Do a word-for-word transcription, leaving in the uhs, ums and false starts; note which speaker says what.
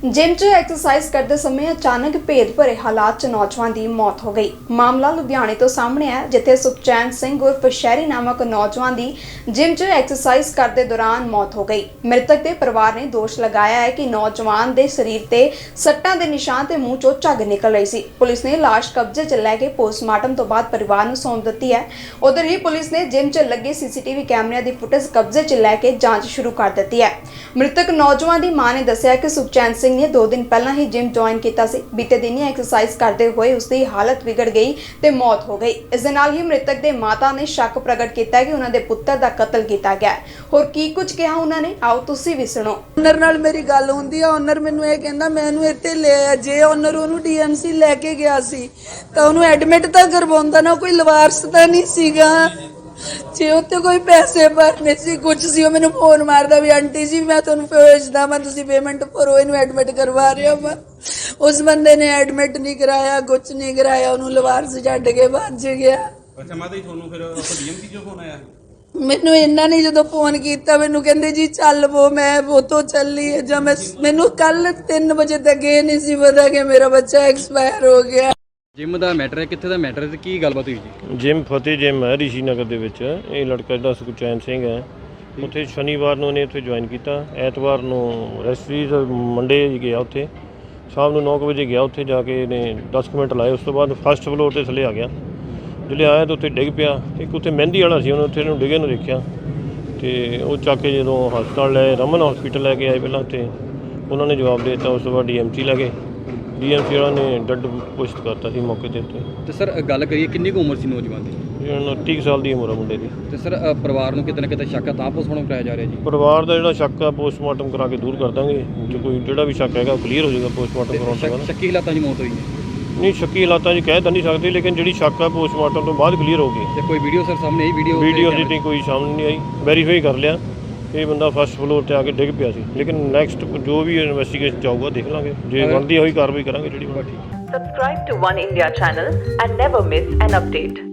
Speaker 1: Gym च exercise करते समय अचानक भेद भरे हालात च नौजवान की मौत हो गई। मामला लुधियाने तो सामने है, जिथे सुखचैन सिंह उर्फ शहरी नामक नौजवान की जिम च एक्सरसाइज करते दौरान मौत हो गई। मृतक के परिवार ने दोष लगाया है कि नौजवान के शरीर ते सट्टां दे निशान ते मूंह चों झग निकल रही सी। पुलिस ने लाश कब्जे च लैके पोस्टमार्टम तो बाद परिवार नूं सौंप दित्ती है। उधर ही पुलिस ने जिम च लगे सीसीटीवी कैमरिਆਂ की फुटेज कब्जे च लैके जांच शुरू कर दित्ती है। मृतक नौजवान की मां ने दस्सिया कि सुखचैन सिंह ने दो दिन पहला ही जिम ज्वाइन किया सी। बीते दिन ही एक्सरसाइज करते हुए उसकी हालत बिगड़ गई ते मौत हो गई। इस दे नाल ही मृतक के माता ने शक प्रगट किया कि उन्होंने पुत्र का कतल किया गया है। होर की कुछ कहा उन्होंने, आओ तुसी भी सुनो।
Speaker 2: ओनर नाल मेरी गल हुंदी है। ओनर मैनू ये कहंदा मैनू इत्थे ले आया। जे ओनर ओनू डीएमसी लैके गया सी तां ओनू एडमिट तां करवाउंदा ना, कोई लवारस तां नहीं सीगा। जे उत्ते कोई पैसे भरने सी कुछ सी, ਉਹ ਮੈਨੂੰ ਫੋਨ ਮਾਰਦਾ ਵੀ ਆਂਟੀ ਜੀ ਮੈਂ ਤੁਹਾਨੂੰ ਭੇਜਦਾ ਮੈਂ, ਤੁਸੀਂ ਪੇਮੈਂਟ ਭਰੋ, ਇਹਨੂੰ ਐਡਮਿਟ ਕਰਵਾ ਰਿਹਾ ਮੈਂ। ਉਸ ਬੰਦੇ ਨੇ ਐਡਮਿਟ ਨਹੀਂ ਕਰਾਇਆ, ਕੁਝ ਨਹੀਂ ਕਰਾਇਆ, ਉਹਨੂੰ ਲਵਾਰਸ ਛੱਡ ਕੇ ਭੱਜ ਗਿਆ।
Speaker 3: ਅੱਛਾ ਮਾਤਾ ਜੀ, ਤੁਹਾਨੂੰ ਫਿਰ ਡੀਐਮਸੀ ਚੋਂ ਫੋਨ ਆਇਆ?
Speaker 2: ਮੈਨੂੰ ਇਹਨਾਂ ਨੇ ਜਦੋਂ ਫੋਨ ਕੀਤਾ ਮੈਨੂੰ ਕਹਿੰਦੇ ਜੀ ਚੱਲ ਵੋ, ਮੈਂ ਉਹ ਤੋਂ ਚੱਲੀ ਹੈ। ਜਦ ਮੈਂ ਮੈਨੂੰ ਕੱਲ ਤਿੰਨ ਵਜੇ ਤੱਕ ਇਹ ਨਹੀਂ ਸੀ ਪਤਾ ਕਿ ਮੇਰਾ ਬੱਚਾ ਐਕਸਪਾਇਰ ਹੋ ਗਿਆ।
Speaker 3: ਜਿਮ ਦਾ ਮੈਟਰ ਹੈ, ਕਿੱਥੇ ਦਾ ਮੈਟਰ ਹੈ ਤੇ ਕੀ ਗੱਲਬਾਤ ਹੋਈ ਜੀ?
Speaker 4: ਜਿਮ ਫਤਿਹ ਜਿਮ ਹੈ ਰਿਸ਼ੀ ਨਗਰ ਦੇ ਵਿੱਚ। ਇਹ ਲੜਕਾ ਜਿਹੜਾ ਸੁਖਚੈਨ ਸਿੰਘ ਹੈ, ਉੱਥੇ ਸ਼ਨੀਵਾਰ ਨੂੰ ਉਹਨੇ ਉੱਥੇ ਜੁਆਇਨ ਕੀਤਾ। ਐਤਵਾਰ ਨੂੰ ਰੈਸਟਰੀਜ਼ ਮੰਡੇ ਗਿਆ, ਉੱਥੇ ਸ਼ਾਮ ਨੂੰ ਨੌ ਕੁ ਵਜੇ ਗਿਆ। ਉੱਥੇ ਜਾ ਕੇ ਇਹਨੇ ਦਸ ਕੁ ਮਿੰਟ ਲਾਏ। ਉਸ ਤੋਂ ਬਾਅਦ ਫਸਟ ਫਲੋਰ 'ਤੇ ਥੱਲੇ ਆ ਗਿਆ। ਜਿਹੜੇ ਆਇਆ ਤਾਂ ਉੱਥੇ ਡਿੱਗ ਪਿਆ। ਇੱਕ ਉੱਥੇ ਮਹਿੰਦੀ ਵਾਲਾ ਸੀ, ਉਹਨੇ ਉੱਥੇ ਇਹਨੂੰ ਡਿੱਗੇ ਨੂੰ ਦੇਖਿਆ ਅਤੇ ਉਹ ਚੱਕ ਕੇ ਜਦੋਂ ਹਸਪਤਾਲ ਲੈ ਰਮਨ ਹੌਸਪੀਟਲ ਲੈ ਕੇ ਆਏ ਪਹਿਲਾਂ, ਉੱਥੇ ਉਹਨਾਂ ਨੇ ਜਵਾਬ ਦੇ ਦਿੱਤਾ। ਉਸ ਤੋਂ ਬਾਅਦ ਡੀ ਐਮ ਸੀ ਲੈ ਗਏ। ਡੀ ਐਮ ਸੀ ਵਾਲਾ ਨੇ ਡੈੱਡ ਘੋਸ਼ਿਤ ਕਰਤਾ ਸੀ ਮੌਕੇ 'ਤੇ ਉੱਤੇ।
Speaker 3: ਤੇ ਸਰ ਗੱਲ ਕਰੀਏ ਕਿੰਨੀ ਕੁ ਉਮਰ ਸੀ ਨੌਜਵਾਨ ਦੀ?
Speaker 4: ਉਨੱਤੀ ਕੁ ਸਾਲ ਦੀ ਉਮਰ ਆ ਮੁੰਡੇ ਦੀ।
Speaker 3: ਤੇ ਸਰ ਪਰਿਵਾਰ ਨੂੰ ਕਿਤੇ ਨਾ ਕਿਤੇ ਸ਼ੱਕ ਆ ਤਾਂ ਪੋਸਟਮਾਰਟਮ ਕਰਾਇਆ ਜਾ ਰਿਹਾ ਜੀ?
Speaker 4: ਪਰਿਵਾਰ ਦਾ ਜਿਹੜਾ ਸ਼ੱਕ ਆ ਪੋਸਟਮਾਰਟਮ ਕਰਾ ਕੇ ਦੂਰ ਕਰ ਦਾਂਗੇ। ਜੇ ਕੋਈ ਜਿਹੜਾ ਵੀ ਸ਼ੱਕ ਹੈਗਾ ਉਹ ਕਲੀਅਰ ਹੋ ਜਾਏਗਾ ਪੋਸਟਮਾਰਟਮ ਕਰਾਉਣ ਤੋਂ ਬਾਅਦ।
Speaker 3: ਸ਼ੱਕੀ ਹਾਲਾਤਾਂ 'ਚ ਮੌਤ ਹੋਈ ਹੈ?
Speaker 4: ਨਹੀਂ, ਸ਼ੱਕੀ ਹਾਲਾਤਾਂ 'ਚ ਕਹਿ ਤਾਂ ਨਹੀਂ ਸਕਦੇ, ਲੇਕਿਨ ਜਿਹੜੀ ਸ਼ੱਕ ਆ ਪੋਸਟਮਾਰਟਮ ਤੋਂ ਬਾਅਦ ਕਲੀਅਰ ਹੋ ਗਈ।
Speaker 3: ਤੇ ਕੋਈ ਵੀਡੀਓ ਸਰ ਸਾਹਮਣੇ ਆਈ? ਵੀਡੀਓ
Speaker 4: ਵੀਡੀਓ ਦੀ ਨਹੀਂ ਕੋਈ ਸਾਹਮਣੇ ਨਹੀਂ ਆਈ। ਵੈਰੀਫਾਈ ਕਰ ਲਿਆ ਇਹ ਬੰਦਾ ਫਸਟ ਫਲੋਰ 'ਤੇ ਆ ਕੇ ਡਿੱਗ ਪਿਆ ਸੀ, ਲੇਕਿਨ ਨੈਕਸਟ ਜੋ ਵੀ ਇਨਵੈਸਟੀਗੇਸ਼ਨ ਚਾਹੂਗਾ ਦੇਖ ਲਾਂਗੇ। ਜੇ ਬਣਦੀ ਹੋਈ ਕਾਰਵਾਈ ਕਰਾਂਗੇ ਜਿਹੜੀ।
Speaker 5: Subscribe to One India channel and never miss an update.